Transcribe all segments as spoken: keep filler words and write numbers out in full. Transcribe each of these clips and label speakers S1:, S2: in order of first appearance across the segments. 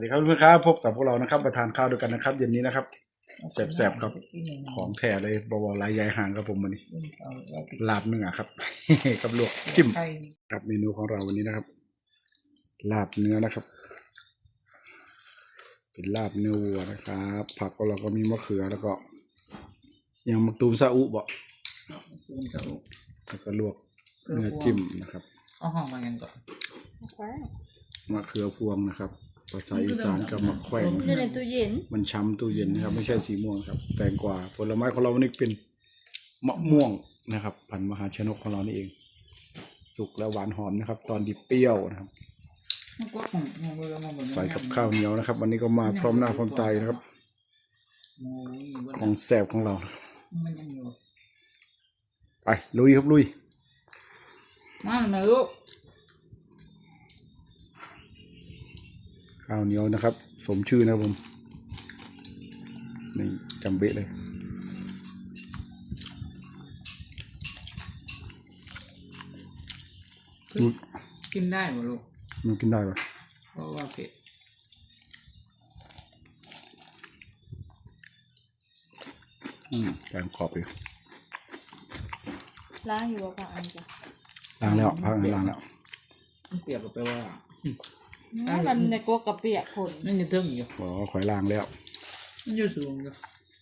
S1: สวัสดีครับเพื่อนๆครับพบกับพวกเรานะครับมาทานข้าวด้วยกันนะครับเย็นนี้นะครับแซ่บๆครับของแท้เลยบวรลายใหญ่ห่างครับผมวันนี้ลาบเนื้อครับ กับลวกจิ้มครับเมนูของเราวันนี้นะครับลาบเนื้อนะครับเป็นลาบเนื้อวัวนะครับผักของเราก็มีมะเขือแล้วก็ยังมะตูมซาอุบ่แล้วก็ลวกเนื้อจิ้มนะครับ
S2: เอาห้องมากันก่อน
S1: มะเขือพวงนะครับภาษาอีสานกับมะแขวง
S3: อยู่ในตู้เย็น
S1: มันช้ำตู้เย็นนะครับไม่ใช่สีม่วงครับแตงกวาผลไม้ของเราวันนี้เป็นมะม่วงนะครับพันธุ์มหาชนกของเรานี่เองสุกและหวานหอมนะครับตอนดิบเปรี้ยวนะครับใส่กับข้าวเหนียวนะครับวันนี้ก็มาพร้อมหน้าพร้อมตานะครับของแซ่บของเราไปลุยครับลุย
S2: มาหน่อยลูก
S1: ข้าวเหนียวนะครับสมชื่อนะครับผมนี่จำเบ๊ะเลย
S2: กินได้ป่ะลูก
S1: มันกินได้ปะ
S2: เพราะว่าเผ็ด
S1: อืมแกงขอบอยู่
S3: ล้างอยู่ว่าพักอันจ้ะ
S1: ล้างแล้วพักล้างแล้ว
S2: เปียกก็แปลว่า
S3: มันในกลัวกระเปียกผล
S2: นั่นจะเทิงอยู่
S1: อ๋อข่อยล้างแล้ว
S2: นั่นจะสูงอยู่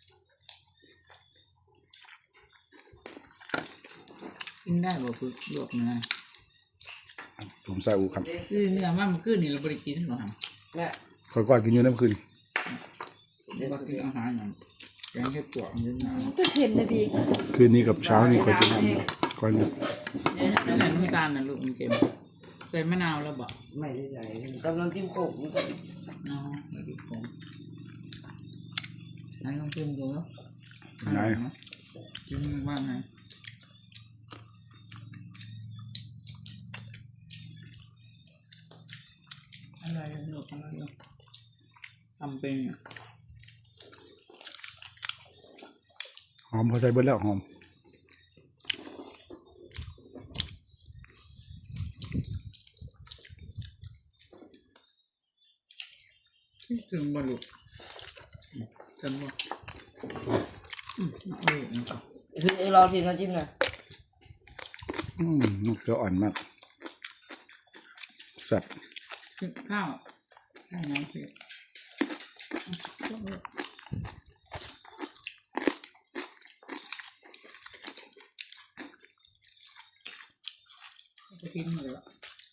S2: กินได้บ่คือลวกเนื้อ
S1: ผมใส่อูครับ
S2: คือเนื้อมันมันคือนี่เราบริกินหรอครับ
S1: ข่อยก่อนกินอยู่น้ำคืน
S2: เดี๋ยวกินอาหารอย่างแกงเห็ดปวกเนื้อหนา
S3: ก็เค็มนะพี่
S1: คืนนี้กับเช้านี่ข่อยจะทำก่อนเนี่ย
S2: นั่นแหละน้ำตาลนะลูกมันเค็มใส่มะนาวแล้วบ่
S4: ไม่ได้ใส่กำลังกินโขกนี่ก็
S2: อ๋อไม่กินโขกไหนลองชิมดูแล้ว
S1: ไหน
S2: ชิมว่าไงอะไรลูกอะไรลูกทำเป็น
S1: หอมพอใส่เบิดแล้วหอม
S2: ถึงบรรลุถึงบ่อืมเอาเลยนะครับ
S4: คือรอทีมน้ำจิ้มหน่อย
S1: อืมมันเกลืออ่อนมากแซ่บ
S2: ข้าวข้าวน้ำเผ็ดจะกินเลยละ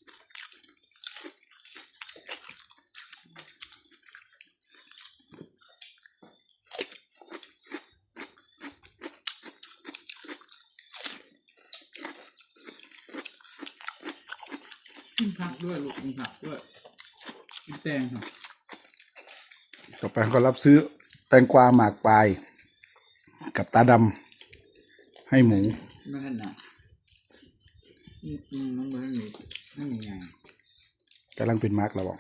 S2: กินผักด้วยลูกกินผักด้วยกินแตงครับ
S1: ต่อไปก็รับซื้อแตงกวาหมากปลายกับตาดำให้หมู
S2: ไม่ขนาดอืมมันเหมือนนี่ไม่มีไง
S1: กำลังเป็นมาร์กเราบอก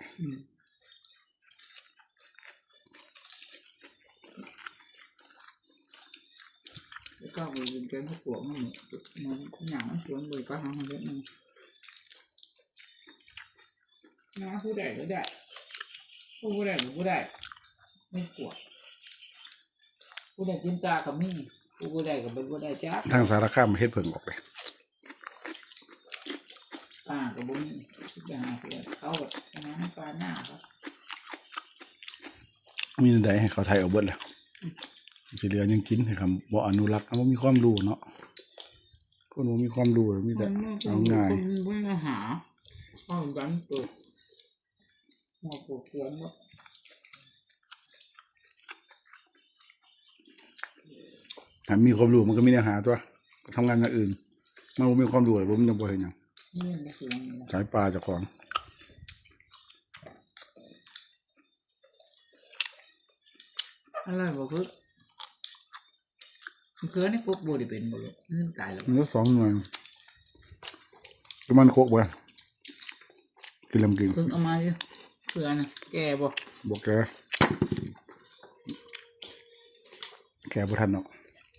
S2: แล้วก็ไปกินแกงข้าวปวกมันมันอย่างมันชวนเลยก็ทำมาเยอะนึงนะผู้ใดก็ได้ผู้ใดก็ผู้ใดไม่กลัวผู้ใดกินตากับมี่ผู้ใดกับเป็นผู้ใดจ้า
S1: ทางสารคามเฮ็ดเพิ่งออกเลย
S2: ปลากับบุ้งอย่างเดียวเขาแบบน้ำปลาหน้าครับ
S1: มีใดให้เขาไทยเอาเบิดแล้วสิเหลือยังกินให้คำบ่อนุรักษ์มันมีความรู้เนาะคนบ่มีความรู้มีแต่เอาง่าย
S2: ไม่มาหาข้าวกันเปิดหัวปวดหัวหมด
S1: ถ้ามีความรู้มันก็มีเนื้อหาตัวทำงานอย่างอื่นมันบ่มีความรู้เลยผมยังบ่เห็นหยังสายปลาจากของ
S2: อะไรบอกคือคือนี่กุ๊กบูดิเป็นบุรุษนี่ตายแล้ว
S1: มันสองหน่วยมันโคกบ่กินลำกิน
S2: เพิ่งเอามาดิเพื่อนแกบ่
S1: บอกแกแกบ่ทันเนาะ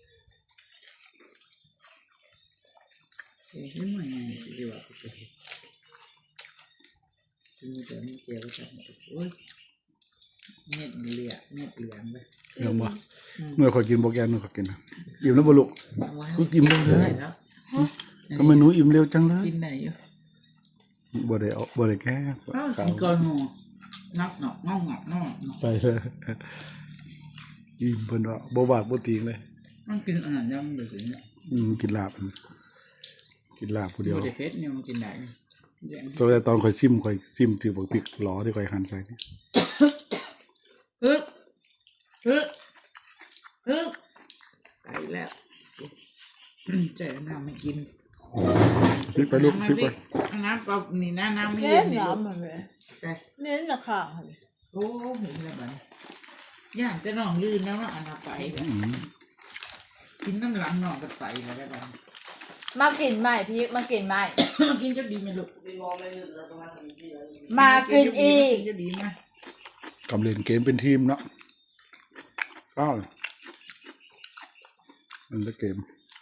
S2: เฮ้ยไม่ไงดีกว่าโอเคมีแต่มีเกี่ยวกับโอ้ยเม็ดเหลืองเม็ดเหลืองไป
S1: เรื่องบ่เมื่อขอยกินบ่แกนหนูขอยกินนะอิ่มแล้วบ่ลูก กูกินได้เลย
S2: แล้ว
S1: ทำไมหนูอิ่มเร็วจังเลย
S2: กินไหนอยู่
S1: บ่ได้เอาบ่ได้แก้
S2: อ้าวกินก่อนหมูนับหนอกงอกงอกงอกงอก
S1: ไปเลยอิ่มเพิ่นว่าบ่บาดบ่ติงเลย
S2: มันกินอาหารยังเหลือเนี่ย
S1: อืมกินลาบกินลาบผู้เดียว
S2: โมเดลเพชรเนี่ยมันกินได้แดง
S1: ตอนแรกตอนข่อยซิมข่อยซิมถือบักพริกหลอที่ข่อยหั่นใส่นี่
S2: ฮึกฮึกฮึกไปแล้วเจอน้ำไม่กิน
S1: พริกไปลูกพริกไป
S2: น้ำเปล่านี่นะน้ำไม่
S3: เน้
S2: เย็
S3: น
S2: นนี่
S3: น้ำมันเลย
S2: ใช่
S3: เน้นราคาเลย
S2: โอ้เห็นแล้วมันย่างจะนองลื่นแล้วว่าอันเอาไป
S1: อืม
S2: กินน้ำหลังนองกันไปแล้วได้บ้าง
S3: มากินใหม่พี่มากินใหม่
S2: กินจะดีไหมลูก
S4: ไปมองไม่หยุดแล้วตรงนั้นทำที่แล้ว
S3: มากินอีก
S2: กินจะดีไหม
S1: กำเล่นเกมเป็นทีมเนาะอ้าวมันละเกม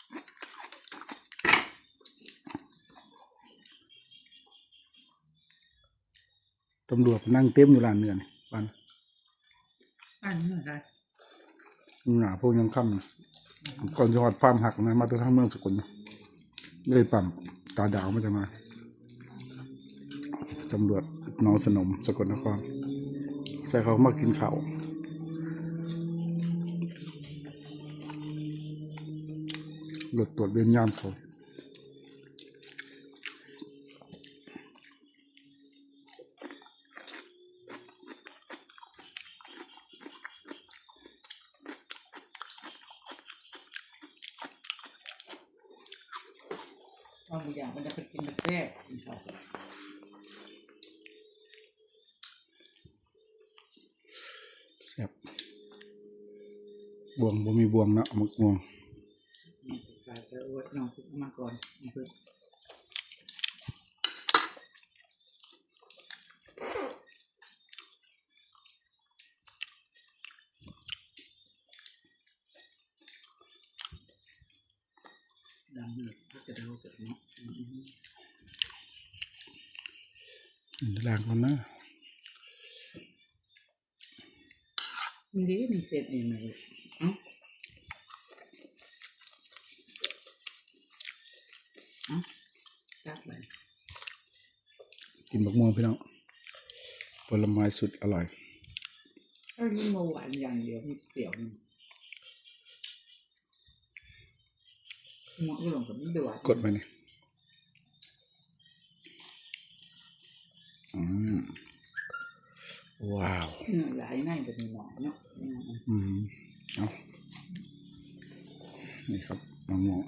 S1: ตำรวจนั่งเต็มอยู่ร้านเนื้อนี่ปัน
S2: อันนี้อะไร
S1: หนาพวกยังค่ำก่อนจะหอดฟาร์มหักนะมาตัวทั้งเมืองสกลนะเลยปั๊มตาดาวไม่จะมาตำรวจน้องสนมสกลนครใส่เขามากินข้าวรถตรวจเวียนยามเขา
S2: บางอย่างมันจะไปกินแบบแรก
S1: แซ่บบวงบ่มีบวงเนาะมักบวง
S2: ใส่ไปอวดน้องคุกมาก่อนเพื่อดำเลยก็จะเราจะเนาะ
S1: ล้างก่อนนะ
S2: มันดีมันเสร็จเองเลยเอ้าเอ้าจับไป
S1: กินบักม่วงพี่น้องผลไม้สุดอร่อย
S2: เอ้ยมันหวานอย่างเดียวมีเปรี้ยวนี่หมดก็ลงกับมันเดือด
S1: กดไปนี่อืมว้าว
S2: เนื้อหลายง่ายแบบนี้หน่อยเนาะ
S1: อืมเอานี่ครับมะม่วง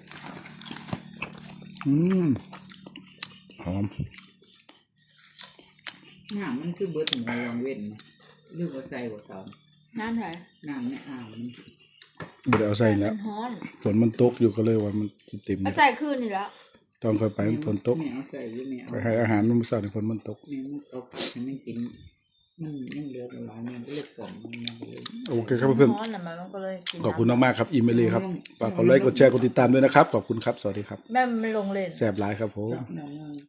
S1: อืมหอม
S2: น้ำมันคือเบิดของเราลองเว้นนะหรือว่าใส่หัวเตา
S3: น้ำไหน
S2: น้ำในอ่างมัน
S1: บ่ได้เอาใส่แล้ว
S3: มันฮ้อน
S1: ฝนมันตกอยู่ก็เลยว่ามันสิเต็ม
S3: เอาใจขึ้นนี่แล้ว
S1: ตอนค่อยไปมันฝนตก
S2: แมวใส่อยู่แมว
S1: ไปให้อาหารมันมื้อเช้านี่ฝนมันตก
S2: แมวมันตกให้มันกินมันยังเหลือหลายมันก็เลือกกล่องมันยังเหลือ
S1: โอเคครับเพื่อน
S3: ฮ้อนน่ะมันมันก็เลยกิน
S1: ๆขอบคุณมากๆครับอีเมลีครับฝากกดไลค์กดแชร์กดติดตามด้วยนะครับขอบคุณครับสวัสดีครับ
S3: แม่มันลงเล่น
S1: แสบหลายครับผม
S2: น้ำ